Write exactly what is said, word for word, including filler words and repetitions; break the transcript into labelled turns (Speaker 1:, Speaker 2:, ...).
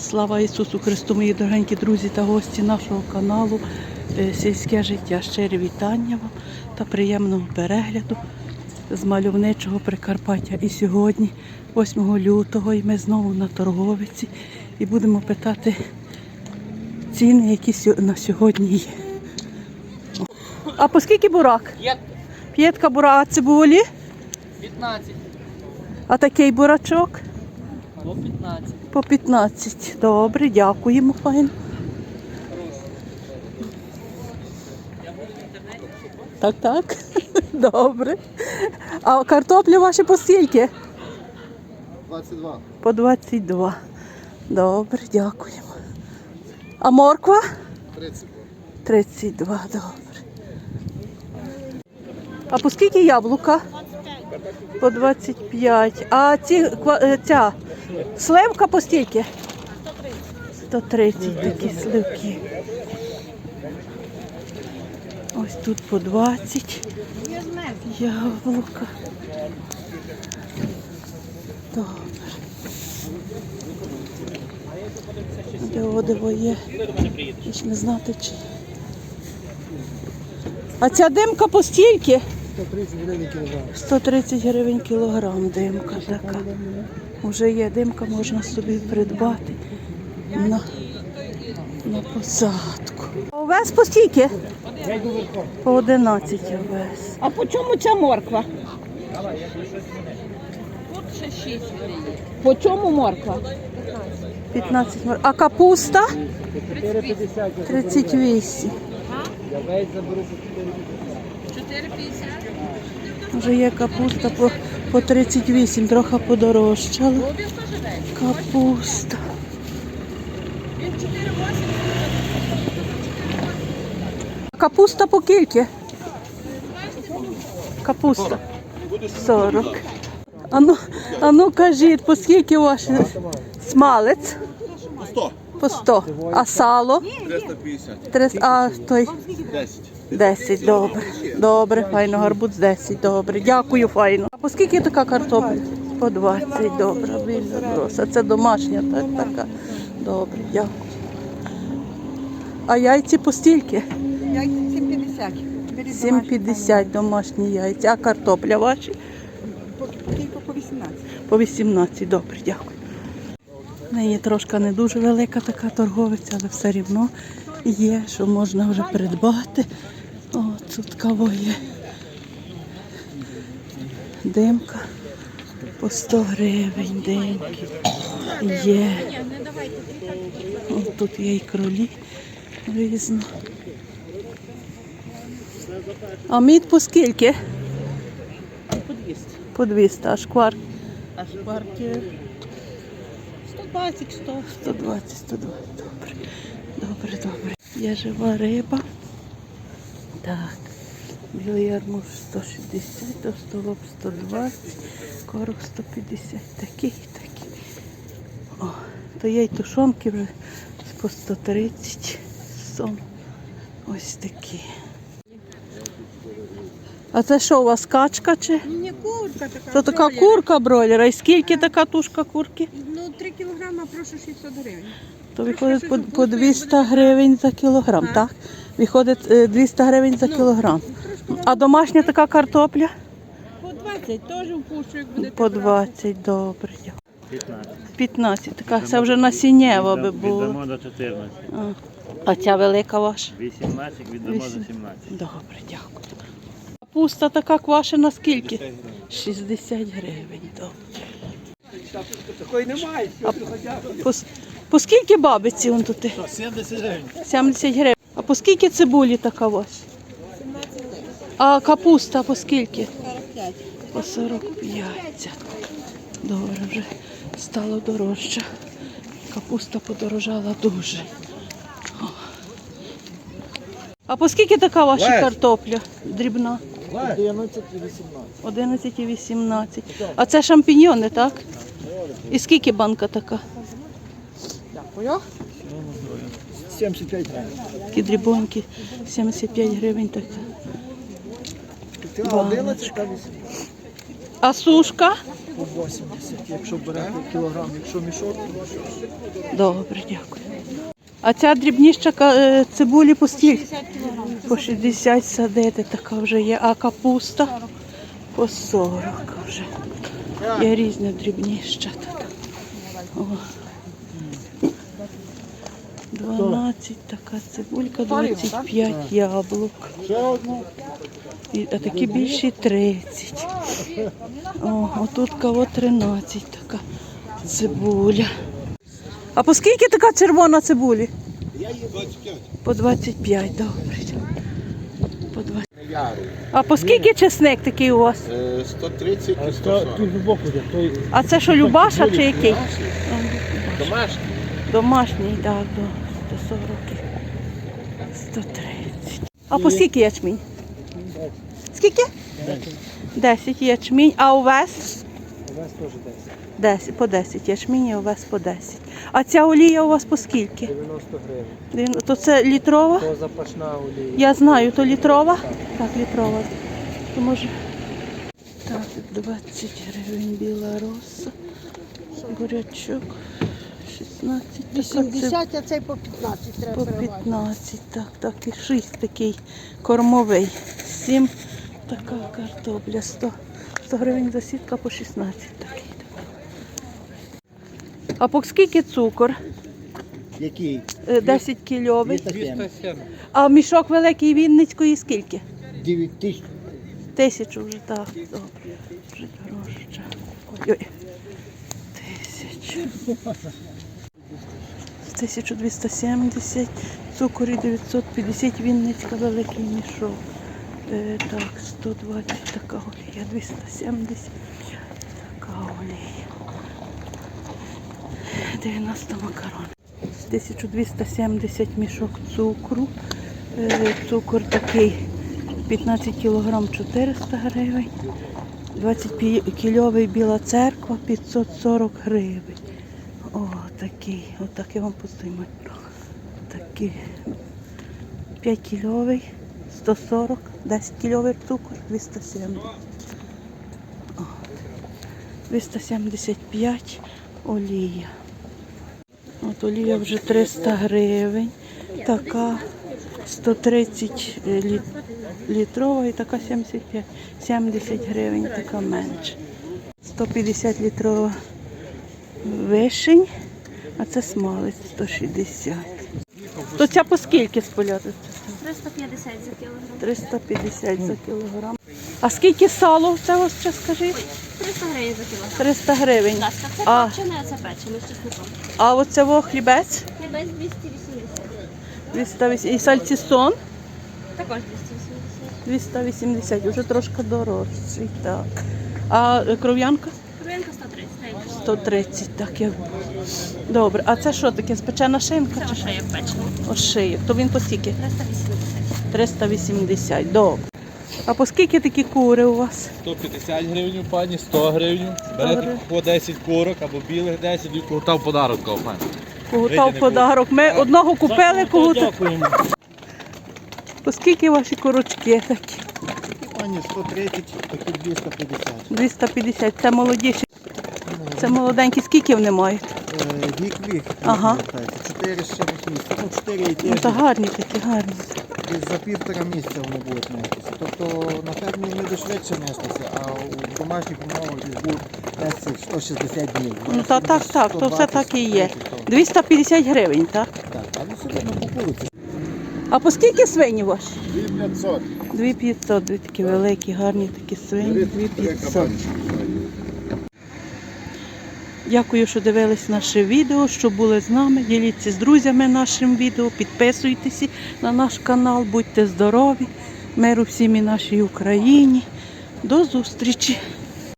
Speaker 1: Слава Ісусу Христу, мої дорогенькі друзі та гості нашого каналу «Сільське життя». Щирі вітання вам та приємного перегляду з мальовничого Прикарпаття. І сьогодні, восьмого лютого, і ми знову на торговиці і будемо питати ціни, які на сьогодні є. А по скільки бурак? П'ятка бурак, а цибулі?
Speaker 2: п'ятнадцять.
Speaker 1: А такий бурачок?
Speaker 2: По п'ятнадцять.
Speaker 1: По п'ятнадцять. Добре, дякуємо, файно. Так, так. Добре. А картоплі ваші по скільки?
Speaker 3: двадцять два.
Speaker 1: По двадцять два. Добре, дякуємо. А морква?
Speaker 3: тридцять два.
Speaker 1: тридцять два, добре. А по скільки яблука? По двадцять п'ять. А ці, ця сливка по стільки? сто тридцять такі сливки. Ось тут по двадцять. Яблука. Добре. Де одиво є? Ж не знати чи. А ця димка по стільки?
Speaker 3: сто тридцять гривень кілограм.
Speaker 1: сто тридцять гривень кілограм димка така. Уже є димка, можна собі придбати на, на посадку. А овес по стільки? По одинадцять овес.
Speaker 4: А по чому ця морква?
Speaker 2: Тут ще шість є.
Speaker 4: По чому морква?
Speaker 1: п'ятнадцять мор. А капуста? тридцять вісім.
Speaker 2: чотири п'ятдесят.
Speaker 1: Вже є капуста по, по тридцять вісім, трохи подорожчала. Капуста. Капуста по кільки? Капуста. сорок. А ну, а ну кажіть, по скільки ваш смалець?
Speaker 3: По сто.
Speaker 1: По сто. А сало?
Speaker 3: триста п'ятдесят.
Speaker 1: триста, а той
Speaker 3: десять.
Speaker 1: десять, добре. Добре, файно, гарбуз десять, добре. Дякую, файно. А по скільки така картопля? По двадцять, добре. Вільно роса. Це домашня, так, така. Добре, дякую. А яйці по стільки?
Speaker 4: Яйця сім п'ятдесят.
Speaker 1: сім п'ятдесят домашні яйця. А картопля ваші?
Speaker 4: Тільки по вісімнадцять.
Speaker 1: По вісімнадцять, добре, дякую. В неї трошки не дуже велика така торговиця, але все рівно є, що можна вже придбати. О, тут кого є. Димка по сто гривень, димки є. О, тут є і кролі різно. А мід по скільки?
Speaker 4: По двісті.
Speaker 1: По двісті, а шквар?
Speaker 4: А шкварки сто двадцять, сто.
Speaker 1: сто двадцять, сто двадцять, добре. Добре, добре. Є жива риба. Так. Білий ярмуж сто шістдесят, товстолоб сто двадцять, короб сто п'ятдесят. Такий, такий. О, то є й тушонки вже по сто тридцять. Сом. Ось такі. А це що, у вас качка чи?
Speaker 4: Ні, курка така.
Speaker 1: То така курка бройлера. І скільки така тушка курки?
Speaker 4: Ну, три кілограми, прошу шістсот гривень.
Speaker 1: То виходить по, по двісті гривень за кілограм, так? Виходить е, двісті гривень за кілограм. А домашня така картопля?
Speaker 4: По двадцять, теж впущу, як будете
Speaker 1: По двадцять, добре. п'ятнадцять, така, це вже насіннєва би було.
Speaker 5: Віддамо до чотирнадцяти.
Speaker 1: А, а ця велика ваша?
Speaker 5: вісімнадцять віддамо
Speaker 1: Вісім.
Speaker 5: до сімнадцяти.
Speaker 1: Добре, дякую. Капуста така квашена скільки? шістдесят гривень, добре.
Speaker 3: Такої немає.
Speaker 1: А по, с- по скільки бабиці он тут?
Speaker 3: сімдесят гривень.
Speaker 1: сімдесят гривень. А по скільки цибулі така ваша? А капуста по скільки?
Speaker 4: сорок п'ять.
Speaker 1: По сорок п'ять. Добре, вже стало дорожче. Капуста подорожала дуже. О. А по скільки така ваша
Speaker 3: Лесь.
Speaker 1: картопля дрібна?
Speaker 3: одинадцять і вісімнадцять.
Speaker 1: одинадцять і вісімнадцять. А це шампіньйони, так? І скільки банка така?
Speaker 4: Дякую.
Speaker 3: сімдесят п'ять гривень.
Speaker 1: Такі дрібонькі, сімдесят п'ять гривень така.
Speaker 3: одинадцять та вісімнадцять.
Speaker 1: А сушка?
Speaker 3: По вісімдесят, якщо берете кілограм, якщо мішок, то що?
Speaker 1: Добре, дякую. А ця дрібніша е, цибулі по скільки? По шістдесят садити така вже є. А капуста? По сорок вже. Є різна дрібніша тут. О. дванадцять така цибулька, двадцять п'ять яблук. І, а такі більші тридцять. О, отут кого тринадцять така цибуля. А по скільки така червона цибулі? По двадцять п'ять, добре. По двадцять. А по скільки чесник такий у вас?
Speaker 6: Е, сто тридцять і сто сорок.
Speaker 1: А це що, Любаша чи який?
Speaker 6: Домашній.
Speaker 1: Домашній, так, до сто сорок, сто тридцять. А по скільки ячмінь? Скільки? десять ячмінь. А овес?
Speaker 3: Овес теж десять.
Speaker 1: десять, по десять ячмінь, і овес по десять. А ця олія у вас по скільки?
Speaker 3: дев'яносто гривень.
Speaker 1: То це літрова?
Speaker 3: То запашна олія.
Speaker 1: Я знаю, то літрова? Так, літрова. То може... Так, двадцять гривень біла роса, бурячок, шістнадцять.
Speaker 4: вісімдесят, а цей по п'ятнадцять треба
Speaker 1: По
Speaker 4: переважити.
Speaker 1: п'ятнадцять, так, так, і шість такий кормовий. сім така картопля, сто, сто гривень за сітка по шістнадцять такий. А по скільки цукор?
Speaker 3: Який?
Speaker 1: Е, десять кільовий.
Speaker 3: двісті сім.
Speaker 1: А мішок великий Вінницької скільки?
Speaker 3: дев'ять тисяч.
Speaker 1: Тисячу вже, так, добре. Вже дорожче. Ой-ой. Тисячу. тисяча двісті сімдесят, цукор і дев'ятсот п'ятдесят, Вінницька великий мішок. Е, так, сто двадцять така олія, двісті сімдесят така олія. дев'яносто макарон. тисяча двісті сімдесят мішок цукру. Е, цукор такий п'ятнадцять кілограм чотириста гривень. двадцять кільовий біла церква п'ятсот сорок гривень. О, такий, отак я вам познімаю. Такий. п'ять кільовий, сто сорок, десять кільовий цукор, двісті сімдесят. О, двісті сімдесят п'ять олія. От олія вже триста гривень. Така сто тридцять літ, літрова і така сімдесят п'ять. сімдесят гривень, така менше. сто п'ятдесят літрова вишень, а це смалець сто шістдесят. То ця по скільки споляти?
Speaker 7: триста п'ятдесят за кілограм.
Speaker 1: триста п'ятдесят за кілограм. А скільки сало це ось ще скажіть?
Speaker 7: триста гривень за кілограм.
Speaker 1: триста гривень.
Speaker 7: Будь ласка, це
Speaker 1: А,
Speaker 7: копчене, а це печене з чесником.
Speaker 1: а оце во хлібець?
Speaker 7: Хлібець двісті вісімдесят.
Speaker 1: двісті вісімдесят. І сальцісон?
Speaker 7: Також двісті вісімдесят.
Speaker 1: двісті вісімдесят, вже трошки дорожчий, так. А е, кров'янка?
Speaker 7: Кров'янка сто тридцять.
Speaker 1: сто тридцять, так як. Добре, а це що таке? Спечена шинка?
Speaker 7: Це
Speaker 1: чи що?
Speaker 7: ошеєк печений.
Speaker 1: Ошиєк. То він по скільки?
Speaker 7: триста вісімдесят.
Speaker 1: триста вісімдесят, добре. А по скільки такі кури у вас?
Speaker 8: сто п'ятдесят гривень, пані, сто гривень. Берете
Speaker 1: Добре.
Speaker 8: по десять курок або білих десять і кута в подарок, пані.
Speaker 1: Когута в подарок. Ми одного купили, когута. По скільки ваші курочки такі?
Speaker 3: Пані сто тридцять, такі двісті п'ятдесят.
Speaker 1: двісті п'ятдесят. Це молодіші. Це молоденькі. Скільки вони мають?
Speaker 3: Е, Вік вік.
Speaker 1: Ага.
Speaker 3: чотири з чимось місяців. Ну, чотири і
Speaker 1: Ну,
Speaker 3: тиждень.
Speaker 1: та гарні такі, гарні.
Speaker 3: Десь за півтора місяця вони будуть нестися. Тобто на фермі вони буде швидше нестися, а у домашніх умовах десь будуть нестися сто шістдесят днів.
Speaker 1: Ну, та, так, так, то все так і є. двісті п'ятдесят гривень, так?
Speaker 3: Так, але все одно кукуруться.
Speaker 1: А по скільки свині ваші?
Speaker 6: дві п'ятсот.
Speaker 1: дві п'ятсот, дві такі великі, гарні такі свині, дві п'ятсот. Дякую, що дивились наше відео, що були з нами. Діліться з друзями нашим відео, підписуйтесь на наш канал, будьте здорові, миру всім і нашій Україні. До зустрічі!